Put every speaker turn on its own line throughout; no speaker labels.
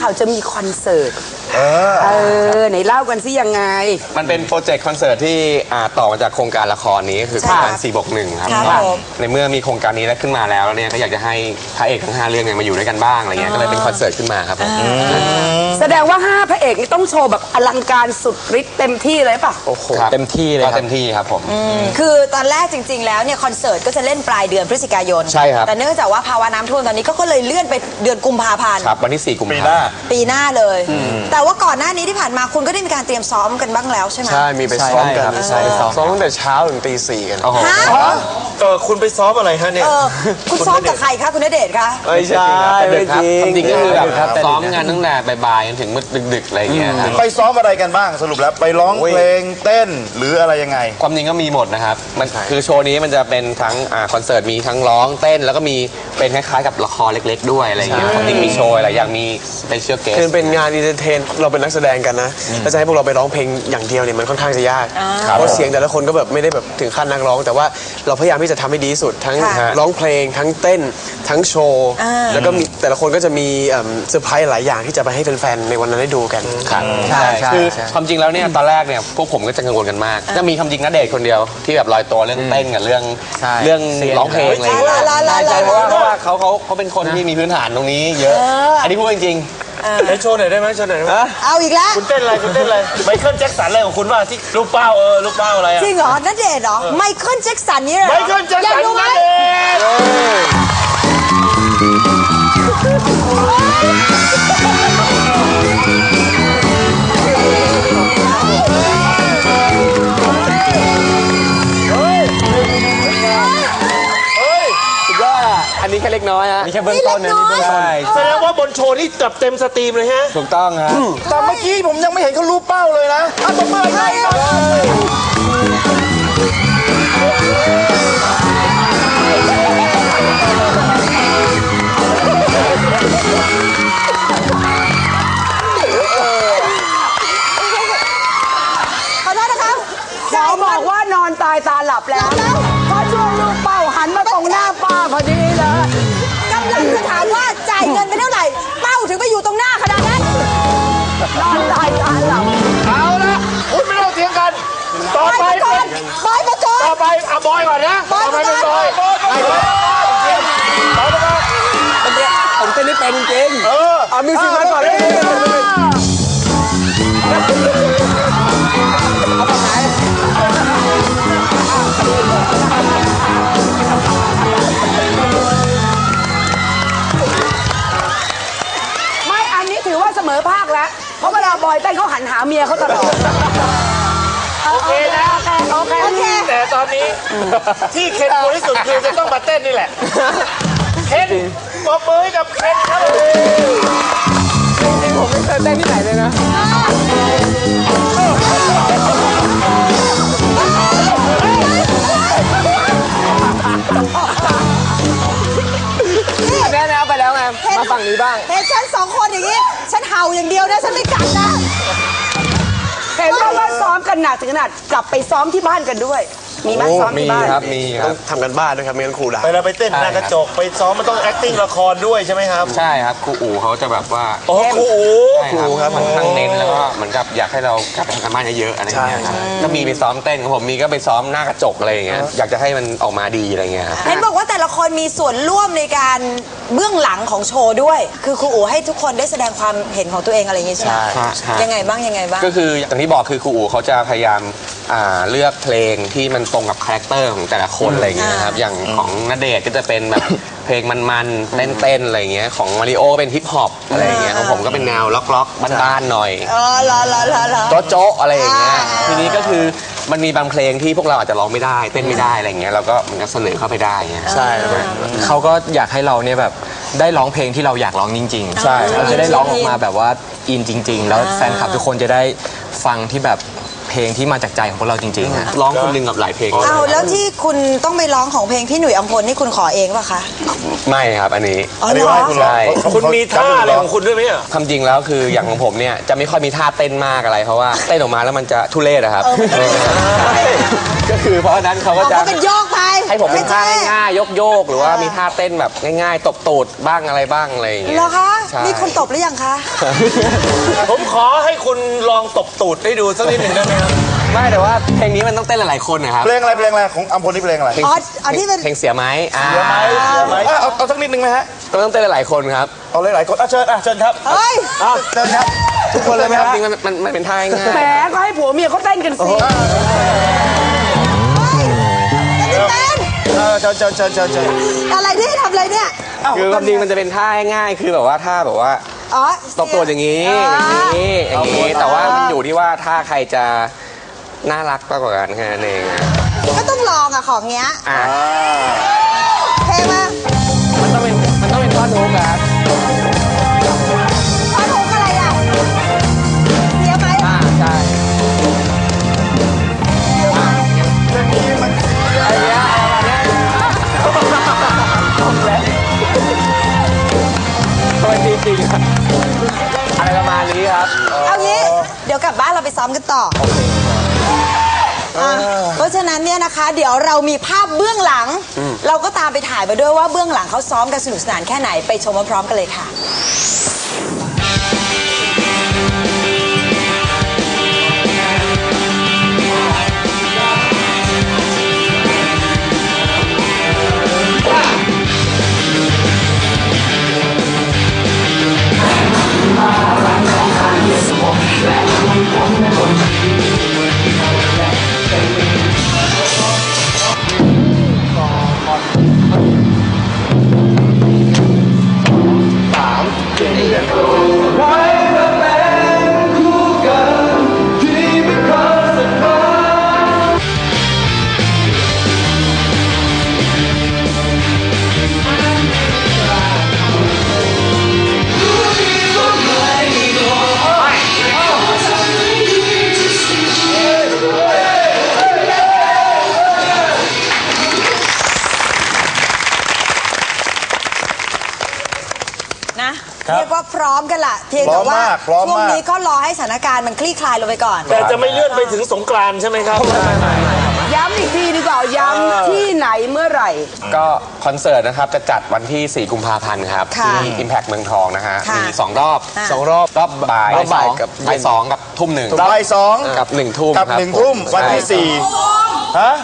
ข่าวจะมีคอนเสิร์ตไหนเล่ากันสิยังไง
มันเป็นโปรเจกต์คอนเสิร์ตที่ต่อมาจากโครงการละครนี้คือโครงการ4+1ครับในเมื่อมีโครงการนี้แล้วขึ้นมาแล้วเนี่ยก็อยากจะให้พระเอกทั้ง5เรื่องเนี่ยมาอยู่ด้วยกันบ้างอะไรเงี้ยก็เลยเป็นคอนเสิร์ตขึ้นมาครับ
แสดงว่า5พระเอกนี่ต้องโชว์แบบอลังการสุดฤทธิ์เต็มที่เลยป่ะ
โอ้โหเต็มที่เลยครับเต็มที่ครับผม
คือตอนแรกจริงๆแล้วเนี่ยคอนเสิร์ตก็จะเล่นปลายเดือนพฤศจิกายน
ใช่ครับ
แต่เนื่องจากว่าภาวะน้ำท่วมตอนนี้ก็เลยเลื่อนไปเดือนกุมภาพันธ์
ครับวันที่4 กุมภาพันธ์
ปีหน้าเลยแต่ว่าก่อนหน้านี้ที่ผ่านมาคุณก็ได้มีการเตรียมซ้อมกันบ้างแล้วใช่ไหม
ใช่มีไปซ้อมกันซ้อมตั้งแต่เช้าถึงตี 4กัน
คุณไปซ้อมอะไรฮะเนี่ย
คุณซ้อมกับใครคะคุณณเดชน์คะ
ไม่ใช่ไม่จริงก็คือแบบซ้อมงานตั้งแต่บ่ายๆจนถึงมืดดึกๆอะไรเงี้ย
ไปซ้อมอะไรกันบ้างสรุปแล้วไปร้องเพลงเต้นหรืออะไรยังไง
ความจริงก็มีหมดนะครับมันคือโชว์นี้มันจะเป็นทั้งคอนเสิร์ตมีทั้งร้องเต้นแล้วก็มีเป็นคล้ายๆกับละครเล็กๆด้วยอะไรเงี้ยความจริงมีโชว์อะไรอย่างมีสเปเชียลเกส
คือเป็นงานอินเตอร์เทนเราเป็นนักแสดงกันนะแล้วจะให้พวกเราไปร้องเพลงอย่างเดียวเนี่ยมันค่อนข้างจะยากเพราะเสียงแต่ละคนก็แบบไม่ได้แบบถึงขั้นนักร้องแต่ว่าเราพยายามที่จะทำให้ดีที่สุดทั้งร้องเพลงทั้งเต้นทั้งโชว์แล้วก็มีแต่ละคนก็จะมีเซอร์ไพรส์หลายอย่างที่จะไปให้แฟนๆในวันนั้นได้ดูกัน
ใช่คือความจริงแล้วเนี่ยตอนแรกเนี่ยพวกผมก็จะกังวลกันมากจะมีคำจริงณเดชน์คนเดียวที่แบบลอยตัวเรื่องเต้นกับเรื่องร้องเพลงอะไรอย่างเงี้ยเพราะว่าเขาเป็นคนที่มีพื้นฐานตรงนี้เยอะอันนี้พูดจริง
ให้โชว์หน่อยได้ไหมโชว์หน่อยได้ไหม
เอาอีกแล้ว
คุณเต้นอะไรไมเคิลแจ็คสันอะไรของคุณว่าที่ลูกเป้าลูกเป้าอะไร
จริงเหรอณเดชน์เหรอไมเคิลแจ็คสันนี่เหรอ
ไมเคิลแจ็คสันณเดชน์
อันนี้แค่เล็กน้อยฮะ
นี่แค่เบื้องต้นนะนี่เบื้องต้น
แสดงว่าบนโชว์นี่จับเต็มสตรีมเลยฮะ
ถูกต้องฮะ
แต่เมื่อกี้ผมยังไม่เห็นเขารู้เป้าเลยนะตบมือให้หน่อย
ขอโทษนะครับ
ขอบอกว่านอนตายตาหลับแล้วพอช่วงลูกเป้าหันมาตรงหน้าป้าพอดีเลย
กำลังจะถามว่าจ่ายเงินไปเท่าไหร่เป้าถึงไปอยู่ตรงหน้าขนาดนั้น
นอนตายตาหลับ
เอาละคุณไม่ต้องเถียงกันต่อไป
บอยประกอบ
ต่อไปบอยก่อนนะต่อไปเป็นบอย
ผมเต้นไม่เป็นจริง
มิวสิกมาก่อนเลย
ไม่อันนี้ถือว่าเสมอภาคแล้วเพราะเวลาบอยเต้นเขาหันหาเมียเขาตลอด
โอเคนะโอเคแต่ตอนนี้ที่เคนกลัวที่สุดคือจะต้องมาเต้นนี่แหละเคนปรบมือกับเคนครับ
จริงๆผมไม่เคยเต้นที่ไหนเลยนะแน่ๆไปแล้วไงมาฝั่งนี้บ้าง
เห็นฉัน2 คนอย่างนี้ฉันเห่าอย่างเดียวนะฉันไม่กัดนะ
เห็นว่าซ้อมกันหนักถึงขนาดกลับไปซ้อมที่บ้านกันด้วยมีไหมซ้อมที่บ้าน
ครับมี
ต้องทำกันบ้านด้วยครับไม่งั้นครูด่า
ไปเต้นหน้ากระจกไปซ้อมมันต้อง acting ละครด้วยใช่ไหมครับ
ใช่ครับครูอู๋เขาจะแบบว่า
ครู
อู๋ครับมันทั้งเน้นแล้วก็เหมือนกับอยากให้เรากลับไปทำกันบ้านเยอะๆอะไรอย่างเงี้ยครับก็มีไปซ้อมเต้นของผมมีก็ไปซ้อมหน้ากระจกอะไรอย่างเงี้ยอยากจะให้มันออกมาดีอะไรเงี้ยครับ
เห็นบอกว่าแต่ละคนมีส่วนร่วมในการเบื้องหลังของโชว์ด้วยคือครูอู๋ให้ทุกคนได้แสดงความเห็นของตัวเองอะไรอย่างเงี้ยใช่ไหมยังไงบ้าง
ก็คืออย่างที่บอกคือครูอู๋เขาจะพยายามเลือกเพลงที่มันตรงกับคาแรคเตอร์ของแต่ละคนอะไรอย่างเงี้ยครับอย่างของณเดชน์ก็จะเป็นแบบเพลงมันๆเต้นๆอะไรอย่างเงี้ยของมาริโอเป็นฮิปฮอปอะไรอย่างเงี้ยของผมก็เป็นแนวล็อกๆบ้านๆหน่อยโจ๊ะอะไรอย่างเงี้ยทีนี้ก็คือมันมีบางเพลงที่พวกเราอาจจะร้องไม่ได้เต้นไม่ได้อะไรอย่างเงี้ยเราก็มันก็เสนอเข้าไปได้เงี้ย
ใช่เขาก็อยากให้เราเนี่ยแบบได้ร้องเพลงที่เราอยากร้องจริงๆใช่เราจะได้ร้องออกมาแบบว่าอินจริงๆแล้วแฟนคลับทุกคนจะได้ฟังที่แบบเพ
เพลงที่มาจากใจของพวกเราจริงๆฮะ
ร้องคนหนึงกับหลายเพลง
เอาแล้วที่คุณต้องไปร้องของเพลงพี่หนุ่ยอัมพลนี่คุณขอเองป่ะคะ
ไม่ครับอันนี้
อ๋อ
อัน
เห
นี้
รอ
ว่าคุณร้อง
ใช่
คุณมีท่าอะไรของคุณด้วยไหมอ่ะ
ความจริงแล้วคืออย่างของผมเนี่ยจะไม่ค่อยมีท่าเต้นมากอะไรเพราะว่าเต้นออกมาแล้วมันจะทุเรศอะครับก็คือเพราะฉะนั้นเขาก็
อ๋อ
จะ
ก็เป็นโยกไป
ให้ผมเป็นท่า
ไใช่
ง่ายๆยกๆหรือว่ามีท่าเต้นแบบง่ายๆตบตูดบ้างอะไรบ้างอะไรอย่างเงี้ย
เหรอคะ
ใช่
มีคนตบหรือยังคะ
ผมขอให้คุณลองตบตูดให้ดูสักนิดหนึ่งได้ไหมครับ
ไม่แต่ว่าเพลงนี้มันต้องเต้นหลายๆคนนะครับ
เพลงอะไรของอัมพลนี่เพลงอะไร
อ๋ออันที่เป็น
เพลงเสียไหม
เสียไหมเอาสักนิดนึงไหมฮะ
ต้องเต้นหลายๆคนครับ
เอาหลายๆคนเชิญครับ
เฮ้ย
เชิญครับทุกคนเลยไหมครับ
จริงๆมันเป็นท่าง่าย
แหมก็ให้ผัวเมียเขาเต้นกันสิ
เต้น
เชิญ
อะไรที่ทำอะไรเนี่ย
คือความจริงมันจะเป็นท่าง่ายๆคือแบบว่าท่าแบบว่า
อ๋อ
ตบตัวอย่างนี้อย่างนี้แต่ว่ามันอยู่ที่ว่าถ้าใครจะน่ารักมากกว่ากันแค่นั้นเองอะ
ก็ต้องลองอะของเงี้ย
อ่ะ
เพลงมา
มันต้องเป็นท่อนฮุกครับ
ท่อนฮุกอะไรอะเสียไหม
ใช่ตัวจริงๆครับอะไรประมาณนี้ครับ
เอางี้ เดี๋ยวกลับบ้านเราไปซ้อมกันต่อเพราะฉะนั้นเนี่ยนะคะ เดี๋ยวเรามีภาพเบื้องหลัง เราก็ตามไปถ่ายมาด้วยว่าเบื้องหลังเขาซ้อมกันสนุกสนานแค่ไหนไปชมพร้อมๆกันเลยค่ะ นะเรียกว่าพร้อมกันละเพียงแต่ว่า
พร้อมมาก
ช่วงนี้ก็รอให้สถานการณ์มันคลี่คลายลงไปก่อน
แต่จะไม่เลื่อนไปถึงสงกรานต์ใช่ไหมครับ
ย้ำอีกทีดีกว่าย้ำที่ไหนเมื่อไหร่
ก็คอนเสิร์ตนะครับจะจัดวันที่ 4 กุมภาพันธ์ครับ
ค่ะ
ที่ Impact เมืองทองนะฮะ
ค่ะ
มี2 รอบ
อ่ะ
รอบบ่าย
รอบบ่ายกับ
บ่ายสองกับทุ่มหนึ่ง
บ่ายสอง
กับ1 ทุ่ม
กับ
ครับ
1 ทุ่มวันที่
ใช่
4ฮะ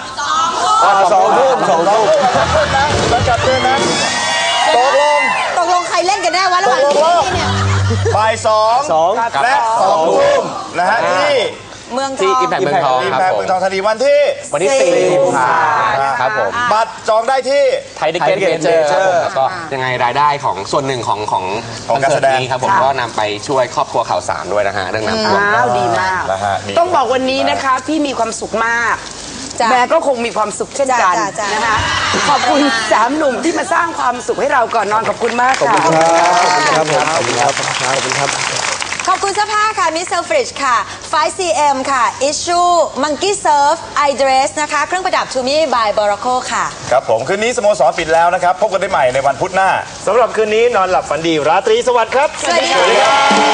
2 ทุ่มนะแล้วจัดด้วยนะตกลง
ใครเล่นกันแน่วะระหว่างที่นี่เนี่ย
บ่าย2และ2 ทุ่มนะฮะที่
เมืองท
ที่
อง
Impact เมืองทอง
อิม
ครับ
แพค
ผม
เมืองทองธานีวันที่
วันที่ 4 กุมภาพันธ์ครับผม
บัตรจองได้ที่
ไทยดิเกตเมเจอร์ครับผมแล้วก็ยังไงรายได้ของส่วนหนึ่งของคอน
การ
เสิ
แส
ร์ต
ดง
นี้ครับผมก็นำไปช่วยครอบครัวข่าวสารด้วยนะฮะเรื่องน้ำท่วม
อ้าวดีมาก
นะฮะนี่
ต้องบอกวันนี้นะคะพี่มีความสุขมาก
จ้ะ
แม่ก็คงมีความสุขเช่นกัน
จ้ะ
นะคะขอบคุณ3 หนุ่มที่มาสร้างความสุขให้เราก่อนนอนขอบคุณมากค่ะ
ครับผมขอบคุณครับขอบคุณครับ
ขอบคุณเสื้อผ้าค่ะ Miss Selfridge ค่ะ 5cm ค่ะ Issue Monkey Surf I Dress นะคะ เครื่องประดับ Tumi by Boracco ค่ะ
ครับผมคืนนี้สโมสรปิดแล้วนะครับ พบกันได้ใหม่ในวันพุธหน้า
สำหรับคืนนี้นอนหลับฝันดีราตรีสวัสดิ์ครับ
สวัสดีค่ะ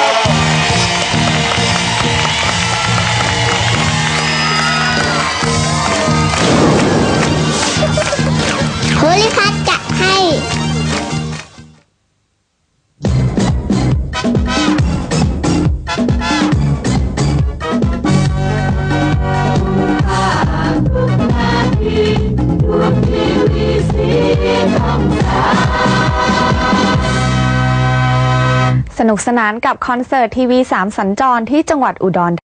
โพลิพัทจะให้
สนุกสนานกับคอนเสิร์ตทีวี3สัญจรที่จังหวัดอุดร